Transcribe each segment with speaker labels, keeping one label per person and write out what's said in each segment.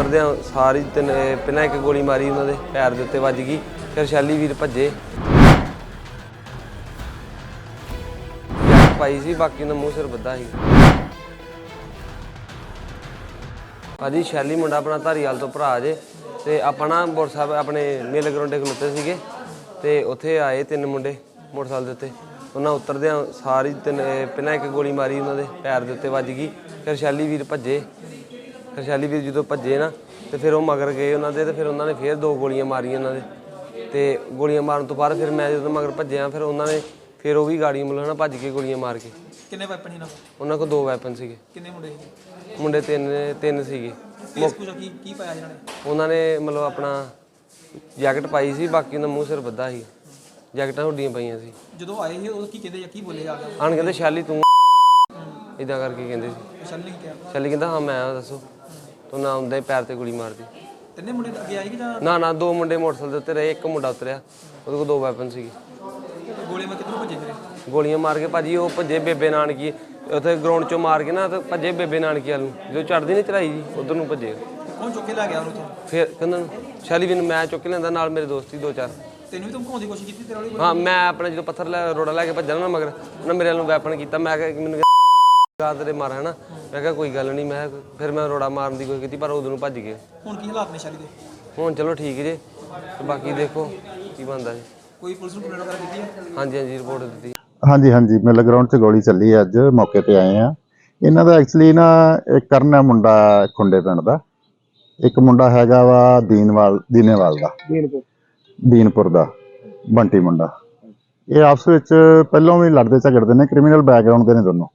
Speaker 1: उतरद्या सारी पहला एक गोली मारी उन्होंने पैर के उत्ते वज गई, फिर शैली वीर भज्जे पाई सी, बाकी उन्हें मूँह सिर बद्धा सी। भाजी शैली मुंडा अपना धारीवाल तो भरा जे, तो आप ना मोटरसाइकिल अपने मेले ग्राउंडे खलोते थे, तो उत्थे आए 3 मुंडे मोटरसाइकिल के उत्ते, उन्हें उतरद्या सारी पहला एक गोली मारी उन्होंने पैर के उत्ते वज गई, फिर शैली वीर भज्जे, फिर शैली वीर जो भज्जे ना तो फिर वो मगर गए उन्होंने, तो फिर उन्होंने फिर 2 गोलियां मारियां उन्होंने, तो गोलियां मारन तो बाद फिर मैं जो मगर भज्जिया, फिर उन्होंने फिर वो भी गाड़ी मतलब ना भज के गोलियां मार के।
Speaker 2: कितने वैपन ही ना
Speaker 1: उन्होंने को 2 वैपन सीगे।
Speaker 2: कितने मुंडे
Speaker 1: मुंडे 3 सीगे।
Speaker 2: की पाया जिन्होंने
Speaker 1: उन्होंने मतलब अपना जैकट पाई सी, बाकी उन्हें मूँह सिर बद्धा ही, जैकटा हुड्डियां पाइयां सी।
Speaker 2: जो आए ही उਦੋਂ ਕੀ ਕਹਿੰਦੇ ਜਾਂ ਕੀ ਬੋਲੇ ਆ ਗਿਆ
Speaker 1: आन कहते शैली तू इदा करके कहते
Speaker 2: ਸ਼ੈਲੀ ਨੇ ਕਿਹਾ
Speaker 1: शैली कहता हाँ मैं दसो, तो ना आंदा ही पैर ते गोली मार दी।
Speaker 2: ਤਿੰਨੇ ਮੁੰਡੇ ਅੱਗੇ ਆਏ ਕਿ ਜਾਂ
Speaker 1: ना 2 मुंडे मोटरसाइकिल उत्ते रहे, एक मुंडा उतरिया, ਉਹਦੇ ਕੋਲ 2 वैपन ਸੀਗੇ।
Speaker 2: ਗੋਲੀਆਂ ਮੈਂ ਕਿੱਧਰੋਂ ਭੱਜੇ ਫਿਰੇ
Speaker 1: ਗੋਲੀਆਂ ਮਾਰ ਕੇ ਭਾਜੀ ਉਹ ਭੱਜੇ ਬੇਬੇ ਨਾਨਕੀ, ਉੱਥੇ ਗਰਾਊਂਡ ਚੋਂ ਮਾਰ ਕੇ ਨਾ ਤੇ ਭੱਜੇ ਬੇਬੇ ਨਾਨਕੀ ਵੱਲ ਨੂੰ, ਜਦੋਂ ਚੜਦੀ ਨਹੀਂ ਚੜਾਈ ਜੀ ਉਧਰ ਨੂੰ ਭੱਜੇ।
Speaker 2: ਕੌਣ ਚੁੱਕ ਕੇ ਲੈ ਗਿਆ ਉਹਨੂੰ ਤੋਂ
Speaker 1: ਫਿਰ ਕਹਿੰਦਾ ਸ਼ੈਲੀ ਵੀ ਨੂੰ ਮੈਂ ਚੁੱਕ ਕੇ ਲੈਂਦਾ, ਨਾਲ ਮੇਰੇ ਦੋਸਤ ਸੀ 2-4।
Speaker 2: ਤੈਨੂੰ ਵੀ ਧਮਕਾਉਣ ਦੀ ਕੋਸ਼ਿਸ਼ ਕੀਤੀ ਤੇਰੇ ਵਾਲੀ
Speaker 1: ਹਾਂ ਮੈਂ ਆਪਣੇ ਜਦੋਂ ਪੱਥਰ ਲੈ ਰੋੜਾ ਲੈ ਕੇ ਭੱਜਣਾ ਨਾ ਮਗਰ ਉਹਨਾਂ ਮੇਰੇ ਵੱਲੋਂ ਵੈਪਨ ਕੀਤਾ, ਮੈਂ ਕਿਹਾ ਮੈਨੂੰ ਗਾ ਤੇਰੇ ਮਾਰ ਹੈ ਨਾ, ਮੈਂ ਕਿਹਾ ਕੋਈ ਗੱਲ ਨਹੀਂ, ਮੈਂ ਫਿਰ ਮੈਂ ਰੋੜਾ ਮਾਰਨ ਦੀ ਕੋਈ ਕੀਤੀ, ਪਰ ਉਦੋਂ ਨੂੰ ਭੱਜ ਗਏ।
Speaker 2: ਹੁਣ ਕੀ ਹਾਲਾਤ ਨੇ ਸ਼ੈਲੀ ਦੇ?
Speaker 1: ਹੁਣ ਚਲੋ ਠੀਕ ਜੇ, ਤੇ ਬਾਕੀ ਦੇਖੋ ਕੀ ਬਣਦਾ ਜੀ।
Speaker 2: ਕੋਈ ਪੁਲਿਸ ਨੂੰ ਕੰਪਲੇਂਟ ਵਗੈਰਾ ਕੀਤੀ ਹੈ?
Speaker 1: ਹਾਂਜੀ ਰਿਪੋਰਟ ਦਿੱਤੀ।
Speaker 3: ਹਾਂਜੀ ਮੇਲੇ ਗਰਾਊਂਡ 'ਚ ਗੋਲੀ ਚੱਲੀ ਹੈ, ਅੱਜ ਮੌਕੇ ਤੇ ਆਏ ਆ। ਇਹਨਾਂ ਦਾ ਐਕਚੁਅਲੀ ਨਾ ਇੱਕ ਕਰਨ ਹੈ ਮੁੰਡਾ ਖੁੰਡੇ ਪਿੰਡ ਦਾ, ਇੱਕ ਮੁੰਡਾ ਹੈਗਾ ਵਾ ਦੀਨੇਵਾਲ ਦਾ, ਦੀਨਪੁਰ ਦਾ ਬੰਟੀ ਮੁੰਡਾ। ਇਹ ਆਪਸ ਵਿੱਚ ਪਹਿਲਾਂ ਵੀ ਲੜਦੇ ਝਗੜਦੇ ਨੇ, ਕ੍ਰਿਮੀਨਲ ਬੈਕਗ੍ਰਾਉਂਡ ਦੇ ਨੇ ਦੋਨੋਂ,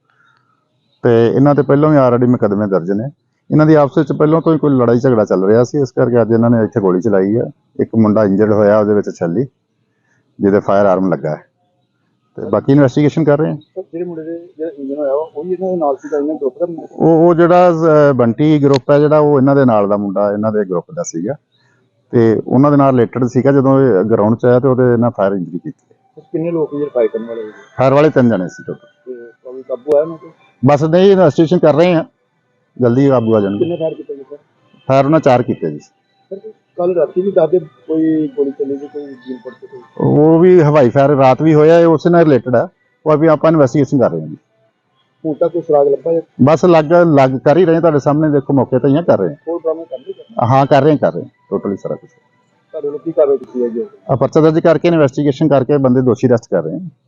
Speaker 3: ਤੇ ਇਹਨਾਂ ਤੇ ਪਹਿਲਾਂ ਵੀ ਆਲਰੇਡੀ ਮੁਕੱਦਮੇ ਦਰਜ ਨੇ। ਇਹਨਾਂ ਦੀ ਆਪਸ ਵਿੱਚ ਪਹਿਲਾਂ ਤੋਂ ਹੀ ਕੋਈ ਲੜਾਈ ਝਗੜਾ ਚੱਲ ਰਿਹਾ ਸੀ, ਇਸ ਕਰਕੇ ਅੱਜ ਇਹਨਾਂ ਨੇ ਇੱਥੇ ਗੋਲੀ ਚਲਾਈ ਹੈ। ਇੱਕ ਮੁੰਡਾ ਇੰਜਰਡ ਹੋਇਆ, ਉਹਦੇ ਵਿੱਚ ਛੱਲੀ ਜਿਹਦੇ ਫਾਇਰ ਆਰਮ ਲੱਗਾ ਹੈ, ਤੇ ਬਾਕੀ ਇਨਵੈਸਟੀਗੇਸ਼ਨ ਕਰ ਰਹੇ ਹਾਂ।
Speaker 4: ਜਿਹੜੇ ਮੁੰਡੇ ਦੇ ਜਿਹੜਾ ਇੰਜਨ ਹੋਇਆ ਉਹ ਇਹਨਾਂ ਦੇ ਨਾਲ ਸੀਗਾ, ਇਹਨਾਂ ਗਰੁੱਪ ਦਾ
Speaker 3: ਉਹ ਜਿਹੜਾ ਬੰਟੀ ਗਰੁੱਪ ਹੈ ਜਿਹੜਾ, ਉਹ ਇਹਨਾਂ ਦੇ ਨਾਲ ਦਾ ਮੁੰਡਾ ਇਹਨਾਂ ਦੇ ਗਰੁੱਪ ਦਾ ਸੀਗਾ, ਤੇ ਉਹਨਾਂ ਦੇ ਨਾਲ ਰਿਲੇਟਡ ਸੀਗਾ। ਜਦੋਂ ਇਹ ਗਰਾਊਂਡ 'ਚ ਆਇਆ ਤੇ ਉਹਦੇ ਨਾਲ ਫਾਇਰ ਇੰਜਰੀ ਕੀਤੀ।
Speaker 4: ਕਿੰਨੇ ਲੋਕ ਜਿਹੜੇ ਫਾਇਰ ਕਰਨ ਵਾਲੇ
Speaker 3: ਫਾਇਰ ਵਾਲੇ 3 ਜਣੇ ਸੀ ਟੋਟਲ।
Speaker 4: ਤੇ ਕੋਈ ਕਾਬੂ ਆਇਆ ਉਹਨਾਂ ਤੇ?
Speaker 3: ਬਸ ਨਹੀਂ, ਇਨਵੈਸਟੀਗੇਸ਼ਨ ਕਰ ਰਹੇ ਹਾਂ, ਜਲਦੀ ਕਾਬੂ ਆ ਜਾਣਗੇ।
Speaker 4: ਕਿੰਨੇ ਫਾਇਰ ਕੀਤੇ ਗਏ?
Speaker 3: ਫਾਇਰ ਉਹਨਾਂ 4 ਕੀਤੇ ਜੀ।
Speaker 4: ਕੱਲ ਰਾਤੀ ਵੀ ਦੱਸਦੇ ਕੋਈ ਗੋਲੀ ਚੱਲੀ ਸੀ, ਕੋਈ ਜੀਨਪੁਰ ਤੇ ਕੋਈ
Speaker 3: ਉਹ ਵੀ ਹਵਾਈ ਫਾਇਰ ਰਾਤ ਵੀ ਹੋਇਆ, ਇਹ ਉਸੇ ਨਾਲ ਰਿਲੇਟਡ ਹੈ। ਉਹ ਵੀ ਆਪਾਂ ਇਨਵੈਸਟੀਗੇਸ਼ਨ ਕਰ ਰਹੇ ਹਾਂ ਜੀ।
Speaker 4: ਹੁਣ ਤੱਕ ਕੋਈ ਸੁਰਾਗ ਲੱਭਾ ਜਾਂ
Speaker 3: ਬਸ ਲੱਗ ਕਰ ਹੀ ਰਹੇ, ਤੁਹਾਡੇ ਸਾਹਮਣੇ ਦੇਖੋ, ਮੌਕੇ ਤੇ ਹੀ ਕਰ ਰਹੇ
Speaker 4: ਹੋਰ ਬਰਾਮਦ ਕਰ ਲਈ?
Speaker 3: ਹਾਂ ਕਰ ਰਹੇ ਟੋਟਲੀ ਸਾਰਾ ਕੁਝ।
Speaker 4: ਤੁਹਾਡੇ ਲੋਕ ਕੀ ਕਾਰਵਾਈ ਕੀਤੀ ਹੈ ਜੀ?
Speaker 3: ਪਰਚਾ ਦਰਜ ਕਰਕੇ ਇਨਵੈਸਟੀਗੇਸ਼ਨ ਕਰਕੇ ਬੰਦੇ ਦੋਸ਼ੀ ਅਰੈਸਟ ਕਰ ਰਹੇ ਹਾਂ।